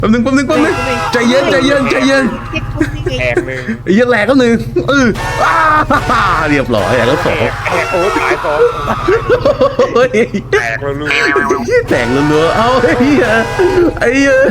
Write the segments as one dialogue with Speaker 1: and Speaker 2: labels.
Speaker 1: แป๊บนึงใจเย็น
Speaker 2: แตกหนึ่ง
Speaker 1: ไอ้ยันแหลกก็หนึ่งเรียบร้อยแล้วสอง
Speaker 2: โอ้ตายสอง
Speaker 1: เฮ้ย
Speaker 2: แตกแล้วลูก
Speaker 1: แตกรัวๆเอาไอ้เหี้ยไอ้เหี้ย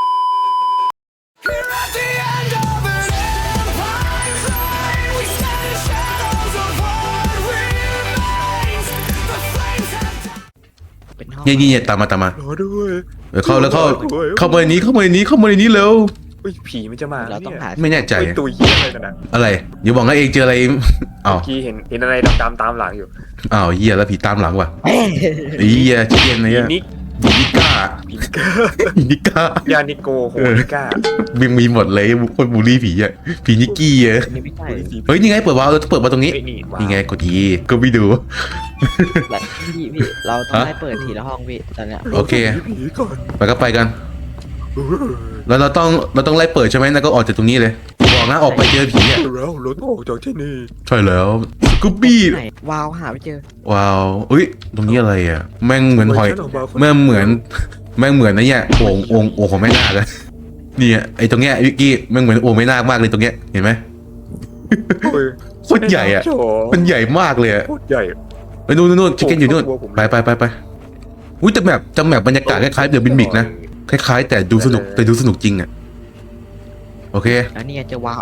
Speaker 1: เนี่ยตามมา
Speaker 2: รอด้วย
Speaker 1: เข้ามาในนี้เร็ว
Speaker 2: ผีมันจะมา
Speaker 3: เราต้องหา
Speaker 1: ไม่แน่ใจ
Speaker 2: ตัวเหี้ยอะไรกันนะ
Speaker 1: อะไรอย่าบอกนะเองเจออะไรอ้าว
Speaker 2: เมื่อกี้เห็นอะไรดำๆตามหลังอยู่
Speaker 1: อ้าวเหี้ยแล้วผีตามหลังว่ะไอ้เหี้ยเชี่ยอะไร
Speaker 2: ผี
Speaker 1: เนี่ย
Speaker 2: นิก
Speaker 1: ผีนิก้า
Speaker 2: ผีนิก้า
Speaker 1: ผีนิก้าย
Speaker 2: านิโกโฮนิก้า
Speaker 1: มีหมดเลยคนบูลลี่ผีอ่ะผีนิกกี้อ่ะ
Speaker 3: อันนี้ไม่ใช่
Speaker 1: เฮ้ยนี่ไงเปิดวาล์วเราต้องเปิดมาตรงนี้
Speaker 2: เฮ้ยนี่ว้าว
Speaker 1: นี่ไงกด E ก็ไม่ดู
Speaker 3: แบบพี่เราต้องให้เปิดทีละห้องพี่ตอนเนี้ย
Speaker 1: โอเค
Speaker 2: ผีก่อน
Speaker 1: ไปกัน แล้วเราต้องไล่เปิดใช่ไหมแล้วก็ออกจากตรงนี้เลยบอกนะออกไปเจอผีอ่ะ
Speaker 2: แล้วรถออกจากที่นี่
Speaker 1: ใช่แล้วสกูบี้
Speaker 3: ไหนวาวหาไม่เจอ
Speaker 1: ว้าวอุ้ยตรงนี้อะไรอ่ะแม่งเหมือนหอย
Speaker 2: ฉักมาคน
Speaker 1: แม่งเหมือนนะเนี่ยโอ่งของแม่นาคเลยเนี่ยไอ้ตรงเนี้ยวิกกี้แม่งเหมือนโอ่งแม่นาคมากเลยตรงเนี้ยเห็นไหม
Speaker 2: โอ้ย
Speaker 1: โคตรใหญ่อ่ะ
Speaker 2: โอ้โห
Speaker 1: มันใหญ่มากเลยอ่ะ
Speaker 2: โคตรใหญ่
Speaker 1: ไปนู่นชิคเก้นอยู่นู่น
Speaker 2: โอ้โห
Speaker 1: ไปอุ้ยแต่แบบบรรยากาศคล้ายๆเดอะบินมิกนะคล้ายๆแต่ดูสนุกจริงอ่ะโอเค
Speaker 3: แล้วนี่เจอวาว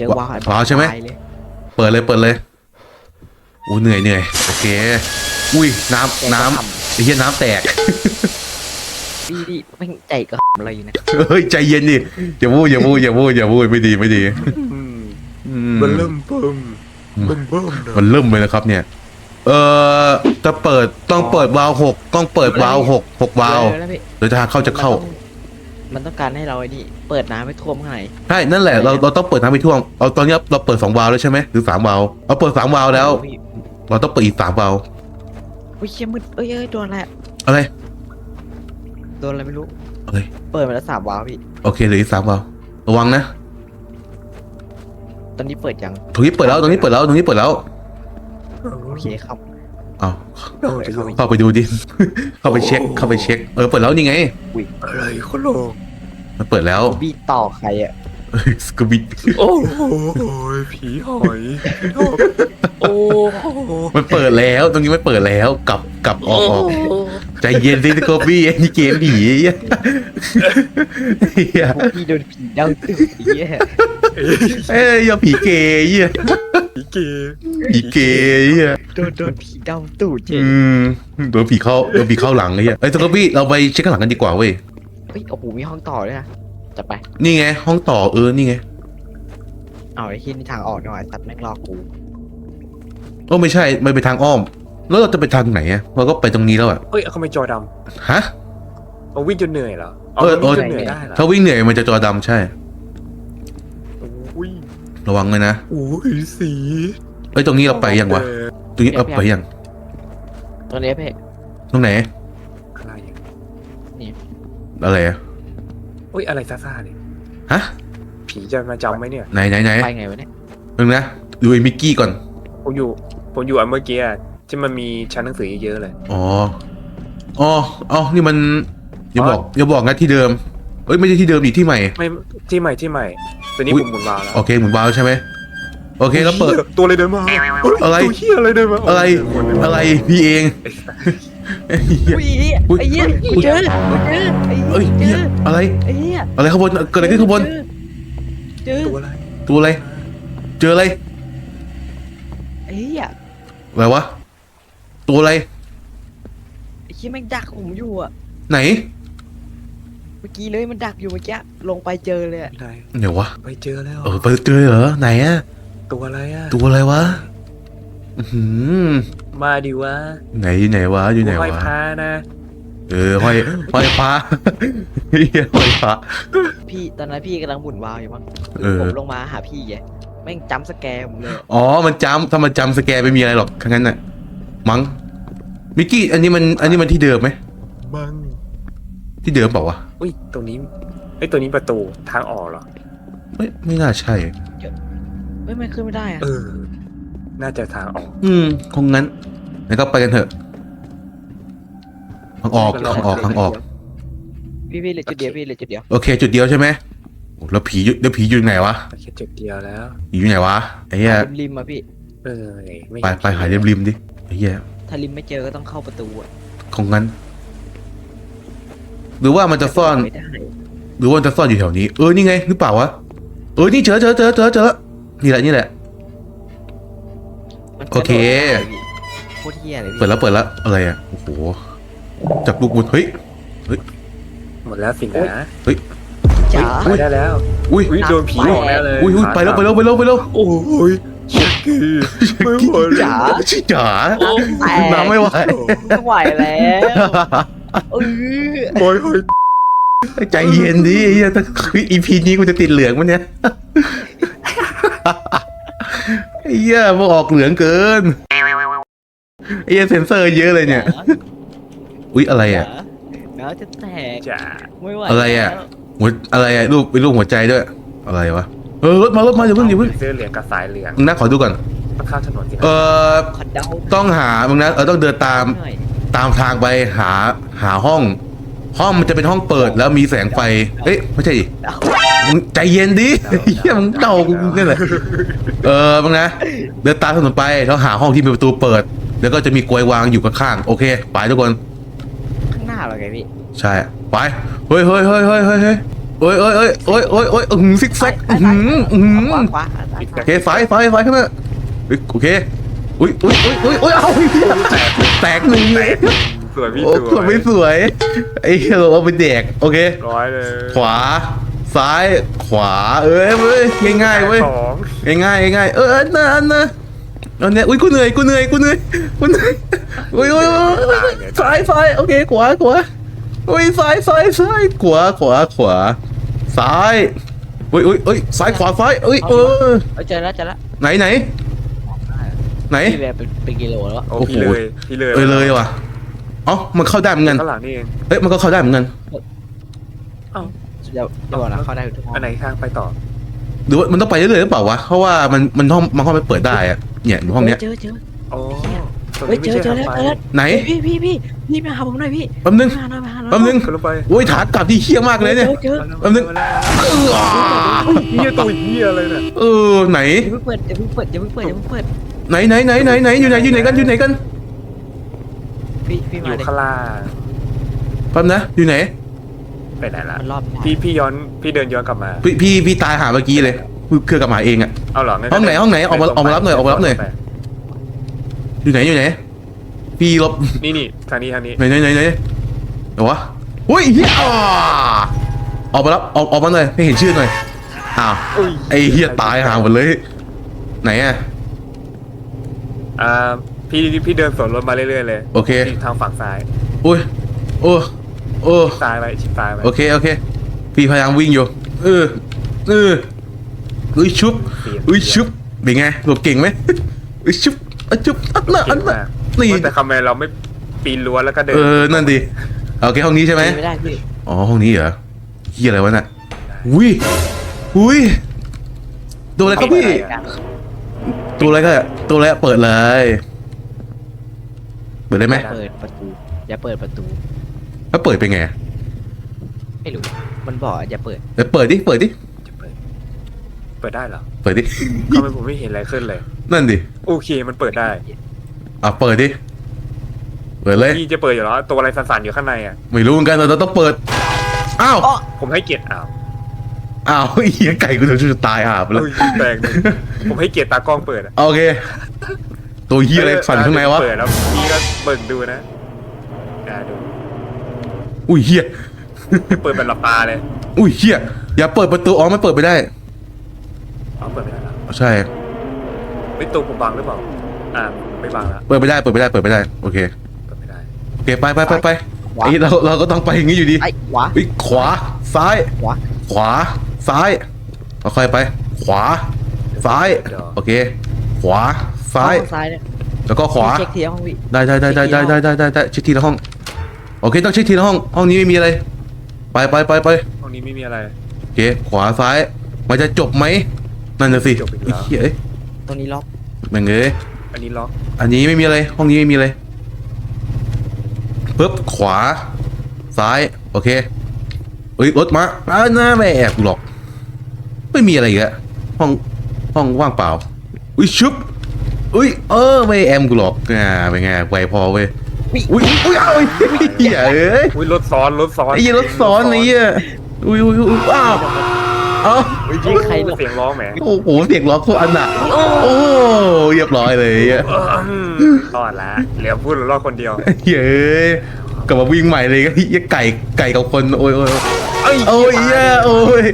Speaker 1: วาวใช่ไหม
Speaker 3: ตายเลย
Speaker 1: เปิดเลยอู้เหนื่อยโอเคอุ้ยน้ำไอ้เหี้ยน้ำแตก
Speaker 3: พี่แม่งใจก็อะไรอยู่นะ
Speaker 1: เฮ้ยใจเย็นดิอย่าพูดไม่ดี
Speaker 2: อืม
Speaker 1: อื
Speaker 2: มันเริ่มเบิ่มนะ
Speaker 1: มันเริ่มเลยนะครับเนี่ยจะต้องเปิดวาล์ว6วาล์ว
Speaker 3: แล้วพี่
Speaker 1: โดยทางเข้าจะเข้า
Speaker 3: มันต้องการให้เราไอ้นี่เปิดน้ำให้ท่วมข้างใน
Speaker 1: ใช่นั่นแหละเราต้องเปิดน้ำไปท่วมเอาตอนนี้เราเปิด2วาล์วแล้วใช่ไหมหรือ3วาล์วเราเปิด3วาล์วแล้ว
Speaker 3: พี่
Speaker 1: เราต้องเปิดอีก3วาล์ว
Speaker 3: อุ้ยเชี่ยมืดเอ้ยโดนอะไร
Speaker 1: อะไร
Speaker 3: โดนอะไรไม่รู้
Speaker 1: อะไร
Speaker 3: เปิดมาแล้ว3วาวพี่
Speaker 1: โอเคเหลืออีก3วาล์วระวังนะ
Speaker 3: ตอนนี้เปิดยัง
Speaker 1: ตรงนี้เปิดแล้ว
Speaker 3: โอเคครับ
Speaker 1: อ้าว
Speaker 2: เอาจะลง
Speaker 1: เข้าไปดูดิ เข้าไปเช็คเปิดแล้วนี่ไง
Speaker 2: อะไรคนลง
Speaker 1: มันเปิดแล้ว
Speaker 3: พี่ต่อใครอ่ะ
Speaker 1: สกูบิด
Speaker 2: โอ้โหผีหอยโอ้โห
Speaker 1: มันเปิดแล้วตรงนี้ไม่เปิดแล้วกลับออกใจเย็นสิสกูบี้ไอ้นี่เกมผีเหี้ย
Speaker 3: พวกพี่โดนผีเดาตื่นเหี้ย
Speaker 1: เอ้ยอย่าผีเกย์เหี้ย
Speaker 2: ผีเกย์
Speaker 1: เหี้ย
Speaker 3: โดนผีเดาตูดเจ๊
Speaker 1: โดนผีเข้าหลังเลยเหี้ยไอ้สกูบี้เราไปเช็คข้างหลังกันดีกว่าเว้ย
Speaker 3: เฮ้ยโอ้โหมีห้องต่อด้วยนะจะไป
Speaker 1: นี่ไงห้องต่อนี่ไง
Speaker 3: เอาไอ้ที่นี่ทางออกหน่อยตัดแม่งรอกู
Speaker 1: โอ้ไม่ใช่มันไปทางอ้อม แล้วเราจะไปทางไหนอะเราก็ไปตรงนี้แล้วอะ
Speaker 2: เฮ้ยเขาไม่จอด
Speaker 1: ฮะ
Speaker 2: ำเอาวิ่งจนเหนื่อยเหรอ
Speaker 1: วิ่งจนเหนื่อยได้เหรอถ้าวิ่งเหนื่อยมันจะจอดำใช่
Speaker 2: อุ้ย
Speaker 1: ระวังเลยนะ
Speaker 2: อุ้ยสี
Speaker 1: เอ้ยตรงนี้เราไปยังวะตรงนี้เอาไปยัง
Speaker 3: ตอนนี้เพ่
Speaker 1: ตรงไหน
Speaker 2: อะไรอย่าง
Speaker 1: อะไรอะ
Speaker 2: อุ้ยอะไรซ่าๆเนี่ย
Speaker 1: ฮะ
Speaker 2: ผีจะมาจำไหมเนี่ย
Speaker 1: ไหน
Speaker 3: ไปไงวะเนี่ย
Speaker 1: นึงนะดูไอ้มิกกี้ก่อน
Speaker 2: ผมอยู่อันเมื่อกี้ที่มันมีชั้นหนังสือเยอะเลย
Speaker 1: นี่มันอย่าบอกนะที่เดิมเอ้ยไม่ใช่ที่เดิมอีกที่ใหม่
Speaker 2: ไม่ที่ใหม่ตัวนี้
Speaker 1: อุ๊ย
Speaker 2: ผมหมุนวาล์วแล้ว
Speaker 1: โอเคหมุนวาล์วใช่ไหมโอเคแล้วเปิด
Speaker 2: ตัวอะไรเดินมา
Speaker 1: อะไร
Speaker 2: ตัวเหี้ยอะไรเดินมา
Speaker 1: อะไรพี่เอง
Speaker 3: อุ้ยไอ้เหี้ยเจอไอ้
Speaker 1: เอ้ย
Speaker 3: เจ
Speaker 1: เหี้ย
Speaker 3: อ
Speaker 1: อะไร
Speaker 3: ไอ้เหี้ย
Speaker 1: อะไรข้างบนเกิดอะไรขึ้นข้างบน
Speaker 3: เจอ
Speaker 2: ตัวอะไร
Speaker 1: ตัวอะไรเจออะไร
Speaker 3: ไอ้เหี้ย
Speaker 1: อะไรวะตัวอะไร
Speaker 3: ไอ้เหี้ยแม่งดักผมอยู่อ่ะ
Speaker 1: ไหน
Speaker 3: เมื่อกี้เลยมันดักอยู่เมื่อกี้ลงไปเจอเลยอะ
Speaker 2: ไหน
Speaker 1: เดี๋ยววะ
Speaker 2: ไปเจอแล้ว
Speaker 1: ไปเจอเหรอไหนอะ
Speaker 2: ตัวอะไรอ่ะ
Speaker 1: ตัวอะไรวะอื้อหือ
Speaker 2: มาดิวะ
Speaker 1: ไหนวะอยู่ไหน
Speaker 2: ห้อยว
Speaker 1: ะ
Speaker 2: พานะ
Speaker 1: ห้อยพระเหี้ยห้อยพระ
Speaker 3: พี่ตอนนั้นพี่กำลังหมุนวาล์วอยู่มั้ง ผมลงมาหาพี่ไงแม่งจำสแกร์ผมเลย
Speaker 1: อ๋อมันจำถ้ามันจำสแกนไม่มีอะไรหรอกทั้งนั้นน่ะมั้งมิกกี้อันนี้มันที่เดิมไหม
Speaker 2: มัง
Speaker 1: ที่เดิมเปล่าวะ
Speaker 2: อุ้ยตรงนี้ไอ้ยตัวนี้ประตูทางออกเหรอ
Speaker 1: ไม่น่าใช่
Speaker 3: ไม่ขึ้นไม่ได้อะ
Speaker 2: น่าจะทางออก
Speaker 1: คงงั้นงั้นก็ไปกันเถอะทางออก
Speaker 3: พี่เหลือจุดเดียวพี่เหลือจุดเดียว
Speaker 1: โอเค จุดเดียวใช่ไหมโอ้แล้วผีอยู่ไหนวะ
Speaker 2: แค่จุดเดียวแล้ว
Speaker 1: ผีอยู่ไหนวะไอ้เหี้ย
Speaker 3: ริมๆมาพี่
Speaker 2: ไม่
Speaker 1: ไปหาริมดิไอ้เหี้ย
Speaker 3: ถ้าริมไม่เจอก็ต้องเข้าประตูอะ
Speaker 1: ของงั้น หรือว่ามันจะซ่อน
Speaker 3: ไม่ได้
Speaker 1: หรือว่ามันจะซ่อนอยู่แถวนี้นี่ไงหรือเปล่าวะนี่เจอแล้วนี่แหละ
Speaker 3: มัน
Speaker 1: โอเค
Speaker 3: โคตรเหี้ยเลยพี่
Speaker 1: เปิดแล้วอะไรอ่ะโอ้โหจากลูกบุญเฮ้ย
Speaker 2: หมดแล้วสินะ
Speaker 3: จ๋า
Speaker 2: ไปได้แล้ว
Speaker 1: อุ้ย
Speaker 2: อุ้ยโดนผีหลอกแน่เลย
Speaker 1: อุ้ยไปแล้ว
Speaker 2: โอ้ยชิคกี้ไม่ไหว
Speaker 3: จ๋า
Speaker 1: จ๋า
Speaker 3: แตก
Speaker 1: น้ำไม่ไหว
Speaker 3: ไม่ไหวแล้วเออ
Speaker 2: โอ้ยโอ้ย
Speaker 1: ใจเย็นดิไอ้เหี้ยถ้าอีพีนี้กูจะติดเหลืองมั้ยเนี่ยไอ้เหี้ยพวกออกเหลืองเกินไอ้เหี้ยเซ็นเซอร์เยอะเลยเนี่ยอุ้ยอะไรอ่ะ
Speaker 3: น้ำจะแตก
Speaker 2: จ๋า
Speaker 3: ไม่ไหว
Speaker 1: อะไรอะ
Speaker 3: แล้ว
Speaker 1: หัวอะไรอ่ะรูปเป็นรูปหัวใจด้วยอะไรวะรถมาอย่าเพิ่ง
Speaker 2: เสื้อเหลืองกับสายเหลือง
Speaker 1: มึงนะขอดูก่อน
Speaker 2: ต้องข้ามถนนสิ
Speaker 3: ขอเดา
Speaker 1: ต้องหามึงนะต้องเดินตาม
Speaker 3: หน่อย
Speaker 1: ตามทางไปหาห้องมันจะเป็นห้องเปิดแล้วมีแสงไฟเอ้ยไม่ใช่ดิ
Speaker 3: เดา
Speaker 1: มึงใจเย็นดิเฮียมึงเดากูนี่แหละมึงนะเดินตามถนนไปแล้วหาห้องที่มีประตูเปิด แล้วก็จะมีกลวยวางอยู่ข้างๆโอเคไปทุกคน
Speaker 3: ข้างหน้าเราไงพี่
Speaker 1: ใช่ไปเฮ้ยซิกแซก
Speaker 3: ขวา
Speaker 1: โอเคไฟข้างหน้าโอเคอุ้ยเอาแตกหนึ่งเลย
Speaker 2: สวยพี่
Speaker 1: โอ้
Speaker 2: สวย
Speaker 1: ไม่สวยไอ้เราเอาไปแดกโอเค
Speaker 2: ร้อยเลย
Speaker 1: ขวาซ้ายขวาเว้ยง่ายๆเว้ย
Speaker 2: สอง
Speaker 1: ง่ายอันนะเอาเนี่ยอุ้ยกูเหนื่อยอุ้ยซ้ายโอเคขวาอุ้ยซ้ายขวาซ้ายอุ้ยซ้ายขวาซ้ายเอ้ย
Speaker 3: เจอแล้ว
Speaker 1: ไหน
Speaker 3: พี่แบบเป็นกิโลแล้ว
Speaker 2: โอ้
Speaker 1: โอ้โห
Speaker 2: พี่เลย
Speaker 1: เลยว่ะเอ้ามันเข้าได้เหมือนกัน
Speaker 2: ข้างหลังนี่เอง
Speaker 1: เอ้ยมันก็เข้าได้เหมือนกัน
Speaker 3: เดี๋ยวนะเข้าได้ทุกห้อง
Speaker 2: อันไหนทางไปต่อ
Speaker 1: หรือว่ามันต้องไปเรื่อยๆหรือเปล่าวะเพราะว่ามันห้องมันเปิดได้อะเนี่ยอยู่ห้องเนี้ย
Speaker 3: เจอ
Speaker 2: โอ้ตรง
Speaker 3: เฮ้ย
Speaker 2: นี้ไม่
Speaker 3: เจอ
Speaker 2: ใช่
Speaker 3: แล้ว
Speaker 2: ทางไป
Speaker 1: ไหน
Speaker 3: พี่มาหาผมหน่อยพี่
Speaker 1: แป๊บนึง
Speaker 3: มาหน่อย
Speaker 1: แป๊บนึง
Speaker 2: ขึ้นลงไป
Speaker 1: โอ้ยถากลับที่เฮี้ยมากเลยเนี่ย
Speaker 3: เจอ
Speaker 1: แป๊บนึง
Speaker 2: เฮียตัวเฮียอะไรเนี่ย
Speaker 1: ไหน
Speaker 3: อย่าเพิ่งเปิดไหนอยู่
Speaker 1: ไหนกัน
Speaker 3: พี่
Speaker 2: อ
Speaker 3: มา
Speaker 2: ยู่
Speaker 3: เลย
Speaker 2: ข้างล่าง
Speaker 1: แป๊บนะอยู่ไหน
Speaker 2: ไปไหนล่ะ
Speaker 3: มันรอบ
Speaker 2: พี่เดินย้อนกลับมา
Speaker 1: พี่ตายหาเมื่อกี้เลยเครื่องกับหมาเองอะ
Speaker 2: เอาเหรองั้
Speaker 1: ห้องไหนออกมารับหน่อยอยู่ไหนพี่ลบ
Speaker 2: นี่ทางนี้
Speaker 1: ไหนเดี๋ยววะอุ้ยเฮียออกมารับออกมาหน่อยให้เห็นชื่อหน่อยอ้าวไอ้เฮียตายหาหมดเลยไหนอะ
Speaker 2: พี่เดินสวนรถมาเรื่อยๆเลย
Speaker 1: โอเค
Speaker 2: ทางฝั่งซ้าย
Speaker 1: อุ้ยโอ้
Speaker 2: ซ้ายไปชิดซ้ายไป
Speaker 1: โอเคพี่พยายามวิ่งอยู่อุ้ยชุบเป็นไงหลบเก่งไหมอุ้ยชุบอันน่ะนี่
Speaker 2: แต่คำแมนเราไม่ปีนรั้วแล้วก็เดิน
Speaker 1: นั่นดิโอเคห้องนี้ใช่ไหม
Speaker 3: ไม่ได้พี่
Speaker 1: อ๋อห้องนี้เหรอเฮียอะไรวะน่ะอุ้ยตัวอะไรครับพี่ตัวอะไรเปิดเลยเปิดได้ไหม
Speaker 3: เปิดประตูอย่าเปิดประตู
Speaker 1: แล้วเปิดเป็นไง
Speaker 3: ไม่รู้มันบอกอย่าเปิด
Speaker 1: เปิดดิ
Speaker 2: จะเปิดได้เหรอ
Speaker 1: เปิดดิ
Speaker 2: ทำไมผมไม่เห็นอะไรขึ้นเลย
Speaker 1: นั่นดิ
Speaker 2: โอเคมันเปิดได้
Speaker 1: เปิดดิเปิดเลย
Speaker 2: พี่จะเปิดอยู่แล้วตัวอะไรสั่นๆอยู่ข้างในอ่ะ
Speaker 1: ไม่รู้เหมือนกันเราต้องเปิดอ้าว
Speaker 2: ผมให้เกียรติ
Speaker 1: เฮียไก่กูจะตายไปแล้ว
Speaker 2: แปลงผมให้เกียรติตากล้องเปิดอ่ะ
Speaker 1: โอเคตัวเฮียอะไรสั่นข้างในวะ
Speaker 2: เปิดแล้วพี่ก็เบิ่งดูนะดู
Speaker 1: อุ้ยเฮีย
Speaker 2: เปิดเป็นหลับตาเลย
Speaker 1: อุ้ยเฮียอย่าเปิดประตูมันเปิดไม่ได้
Speaker 2: เปิดไม่ได้แล้ว
Speaker 1: ใช่
Speaker 2: ไม่ตัวผมบังหรือเปล่าไม่บังแล้ว
Speaker 1: เปิดไม่ได้โอเค
Speaker 2: เปิดไม่ได้
Speaker 1: โอเคไปไอ้เราก็ต้องไปอย่างนี้อยู่ดี
Speaker 3: ไอ้ขวา
Speaker 1: ขวาซ้าย
Speaker 3: ขวา
Speaker 1: ขวาซ้ายค่อยๆไป ขวาซ้ายโอเค ขวาซ้าย
Speaker 3: ซ้ายเนี่ย
Speaker 1: แล้วก็ขวา
Speaker 3: เช็คทีห้องพี่
Speaker 1: ได้เช็คทีละห้องโอเคต้องเช็คทีละห้องนี้ไม่มีอะไรไป
Speaker 2: ห้องนี้ไม่มีอะไร
Speaker 1: โอเคขวาซ้ายมันจะจบไหมนั่นน่ะสิ
Speaker 2: จบอีกแล้ว
Speaker 1: เฮ้ย
Speaker 3: ตรงนี้ล็อก
Speaker 1: แม่งเอ้ย
Speaker 2: อันนี้ล็อก
Speaker 1: อันนี้ไม่มีอะไรห้องนี้ไม่มีอะไรปึ๊บขวาซ้ายโอเคเอ้ยรถมาหน้าไม่แอบกูหรอกไม่มีอะไรอีกอะห้องว่างเปล่าอุ้ยชุบอุ้ยไม่แอมกูหรอกเป็นไงไวพอเว้ยอุ้ยเอาไอ้เหี้ยเอ้ย
Speaker 2: อุ้ยรถซ้อน
Speaker 1: ไอ้เหี้ยรถซ้อนไอ้เหี้ยอุ้ยอ้าวเอา
Speaker 2: อุ้ยยิงใครเสียงร้องแหม
Speaker 1: โอ้โหเสียงร้องโคตรอันหนักโอ้เรียบร้อยเลยไอ้เหี้ย
Speaker 2: รอดละเหลือพูดรอดคนเดียว
Speaker 1: เย้ยกลับมาวิ่งใหม่เลยก็เหี้ยไก่กับคนโอ้ยเหี้ยโอ้ย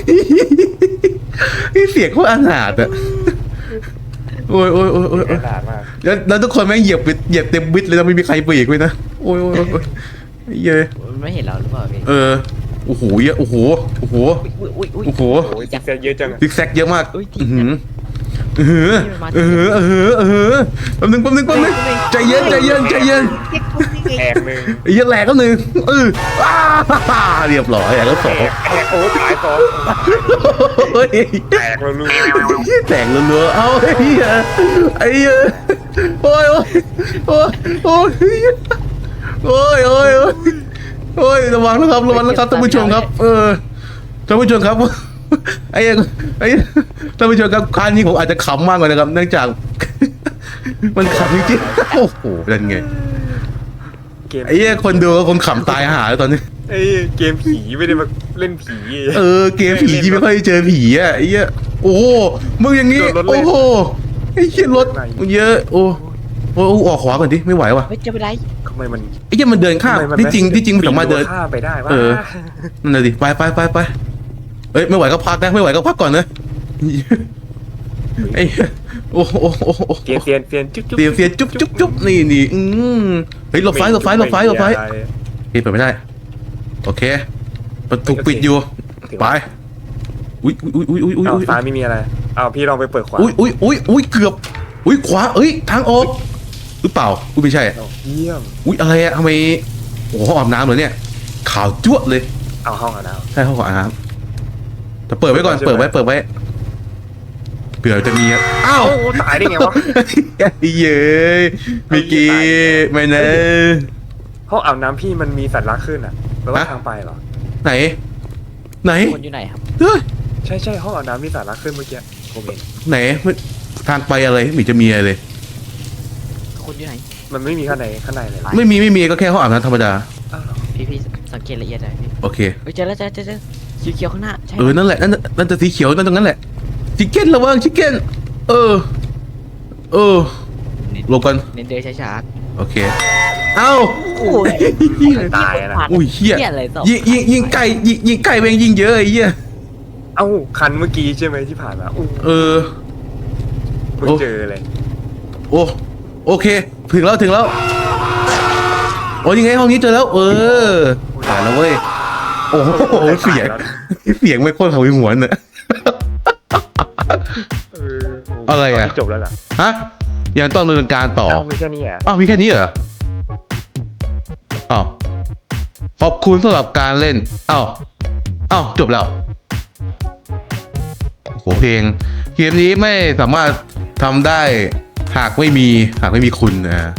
Speaker 1: เสียงโคตรอันหนาดอะโอ้ย
Speaker 2: ขนาดมาก
Speaker 1: แล้วทุกคนแม่งเหยียบเต็มวิดเลยนะไม่มีใครเบรกเลยนะโอ้ยเย้ย
Speaker 3: มันไม่เห็นเราหรือเปล่าพี่
Speaker 1: โอ้โหเยอะโอ้โห
Speaker 3: อุ้ย
Speaker 1: โอ้โห
Speaker 2: โอ้ยจิ๊กแซกเยอะจัง
Speaker 1: ซิกแซกเยอะมาก
Speaker 3: อุ้ย
Speaker 1: แป๊บนึงใจเย็น
Speaker 2: แอกหนึ่ง
Speaker 1: ไอ้เหี้ยแหลกก็หนึ่งเรียบร้อยแล้วสอง
Speaker 2: แอกโอ้ตายสอง
Speaker 1: เฮ้ย
Speaker 2: แตกแล้วลูก
Speaker 1: แตกรัวๆเอาไอ้เหี้ยโอ้ยระวังนะครับท่านผู้ชมครับท่านผู้ชมครับไอ้ท่านผู้ชมครับครั้งนี้ผมอาจจะขำมากกว่านะครับเนื่องจาก มันขำจริงๆโอ้โหเป็นไง ไอ้เหี้ยคนดูกับคนขำตายหาแล้วตอนนี้
Speaker 2: ไอ้เกมผีไม่ได้มาเล่นผี
Speaker 1: เกมผีที่ไม่ค่อยเจอผีอ่ะไอ้เหี้ยโอ้โหมึงอย่างงี้โอ้โหไอ้เหี้ยรถมึงเยอะโอ้ออกขวาก่อนดิไม่ไหวว่ะ
Speaker 3: เฮ้ยจะไปไหน
Speaker 2: ทำไมมัน
Speaker 1: ไอ้เหี้ยมันเดินข้ามที่จริงมันสามารถเดิน
Speaker 2: ข้ามไปได้วะ
Speaker 1: นั่นเลยดิไปเอ้ยไม่ไหวก็พักนะไม่ไหวก็พักก่อนนะไอ้โอ้
Speaker 2: เตียนจุ๊บ
Speaker 1: เตรียมเสียจุ๊บนี่เฮ้ยหลบไฟเฮ้ยเปิดไม่ได้โอเคประตูปิดอยู่ไปอุ้ย
Speaker 2: ซ้ายไม่มีอะไรเอาพี่ลองไปเปิดขวา
Speaker 1: อุ้ยเกือบขวาทางออกหรือเปล่าไม่ใช่
Speaker 2: เยี่ยม
Speaker 1: อะไรอะทำไมโอ้โหอาบน้ำเหรอเนี่ยขาวจั๊วเลย
Speaker 2: เอาห้องอ่ะนะ
Speaker 1: ใช่ห้องอาบน้ำแต่เปิดไว้ก่อนเปิดไว้เผื่อจะมีอ้าว
Speaker 2: ตายได้ไงวะ
Speaker 1: เย้ยมิกกี้ไม่นะ
Speaker 2: ห้องอาบน้ำพี่มันมีสัตว์รักขึ้นอ่ะแปลว่าทางไปเหรอ
Speaker 1: ไหน
Speaker 3: คนอยู่ไหนครับ
Speaker 2: ใช่ห้องอาบน้ำมีสัตว์รักขึ้นเมื่อกี้ผมเห็น
Speaker 1: ไหนทางไปอะไรไม่จะมีอะไรเลย
Speaker 3: คนอยู่ไหน
Speaker 2: มันไม่มีข้างในเลย
Speaker 1: ไม่มีก็แค่ห้องอาบน้ำธรรมดา
Speaker 3: พี่สังเกตละเอียดหน่อยพี่
Speaker 1: โอเค
Speaker 3: เฮ้ยเจอแล้วสีเขียวข้างหน้าใช่
Speaker 1: นั่นแหละนั่นจะสีเขียวนั่นตรงนั้นแหละชิคเก้นระวังชิคเก้นหลบกัน
Speaker 3: เน้นเดินช้า
Speaker 1: โอเคเอ้า
Speaker 3: ๆโอ้ย
Speaker 2: ตายนะ
Speaker 1: อุ้ยเหี้ย
Speaker 3: อะไรต่อ
Speaker 1: ยิงไก่แม่งยิงเยอะไอ้เหี้ย
Speaker 2: เอ้าคันเมื่อกี้ใช่ไหมที่ผ่านมาเพิ่งเจอเลย
Speaker 1: โอเคถึงแล้วโอ้ยังไงห้องนี้เจอแล้วผ่านแล้วเว้ยโอ้โหเสียงไม่โคตรเขาหัวเนี่ยอะไรอะ
Speaker 2: จบแล้วล่ะ
Speaker 1: ฮะยังต้องดำเนินการต่อ
Speaker 2: มีแค่นี้อ่ะ
Speaker 1: มีแค่นี้เหรออ้าวขอบคุณสำหรับการเล่นอ้าวจบแล้วโหเพลงเกมนี้ไม่สามารถทำได้หากไม่มีคุณ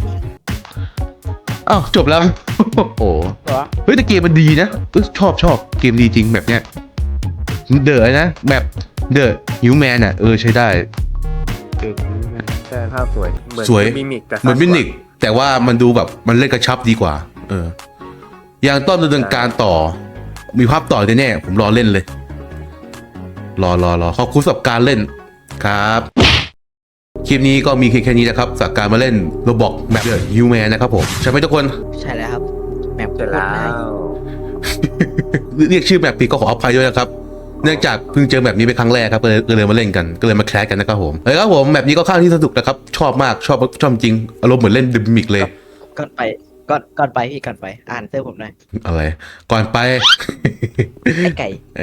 Speaker 1: จบแล้วโอ้โหเฮ้ยแต่เกมมันดีนะชอบเกมดีจริงแบบเนี้ยเดอะนะแบบเดอะฮิวแมนใช้ได้
Speaker 2: ใช่ภาพสวย
Speaker 1: สวย
Speaker 2: มิมิกแต่
Speaker 1: เหมือนมินิกแต่ว่ามันดูแบบมันเล่นกระชับดีกว่ายังต้องดำเนินการต่อมีภาพต่อแน่ๆผมรอเล่นเลยรอขอบคุณสำหรับการเล่นครับคลิปนี้ก็มีแค่นี้นะครับจากการมาเล่นโรบอกแบบเดอะฮิวแมนนะครับผมใช่ไหมทุกคน
Speaker 3: ใช่แล้วครับแมป
Speaker 2: เสร็จแล้ว
Speaker 1: เรียกชื่อแบบผิดก็ขออภัยด้วยนะครับเนื่องจากเพิ่งเจอแบบนี้เป็นครั้งแรกครับก็เลยมาเล่นกันก็เลยมาแคสกันนะครับผมครับผมแบบนี้ก็ค่อนข้างที่สนุกนะครับชอบมากชอบจริงอารมณ์เหมือนเล่นดิมิกเลย
Speaker 3: ก่อนไปพี่ก่อนไปอ่านเสื้อผมหน่อย
Speaker 1: อะไรก่อนไป
Speaker 3: ไอ้ไก่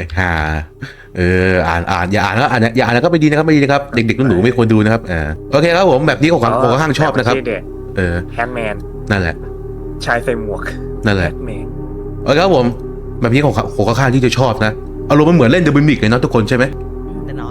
Speaker 1: อ่านอย่าอ่านแล้วก็ไม่ดีนะครับเด็กๆหนูไม่ควรดูนะครับโอเคครับผมแบบนี้ผมค่อนข้างชอบนะครับ
Speaker 2: แฮนด์แมน
Speaker 1: นั่นแหละ
Speaker 2: ชายใส่หมวก
Speaker 1: นั่นแหละ
Speaker 2: แมน
Speaker 1: โอเคครับผมแบบนี้ผมค่อนข้างที่จะชอบนะอารมณ์มันเหมือนเล่นเดอะมิมิกเลยเนาะทุกคนใช่ไหม
Speaker 3: แน่นอน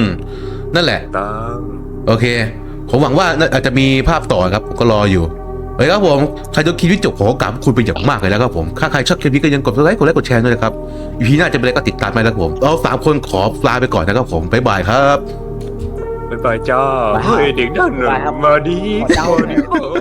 Speaker 1: นั่นแหละ
Speaker 2: ต้อง
Speaker 1: โอเคผมหวังว่าอาจจะมีภาพต่อครับผมก็รออยู่เฮ้ยครับผมใครดูคลิปนี้จบขอกราบคุณเป็นอย่างมากเลยนะครับผมถ้าใครชอบคลิปนี้ก็ยังกดไลค์กดแชร์ด้วยนะครับอีพีหน้าจะเป็นอะไรก็ติดตามไปนะครับผมเรา3 คนขอลาไปก่อนนะครับผมบ๊ายบายครับ
Speaker 2: บ๊ายบายจ้าเฮ้ยเด็กนั่นน่ะมาดี
Speaker 3: ขอเจ้า
Speaker 2: มาดี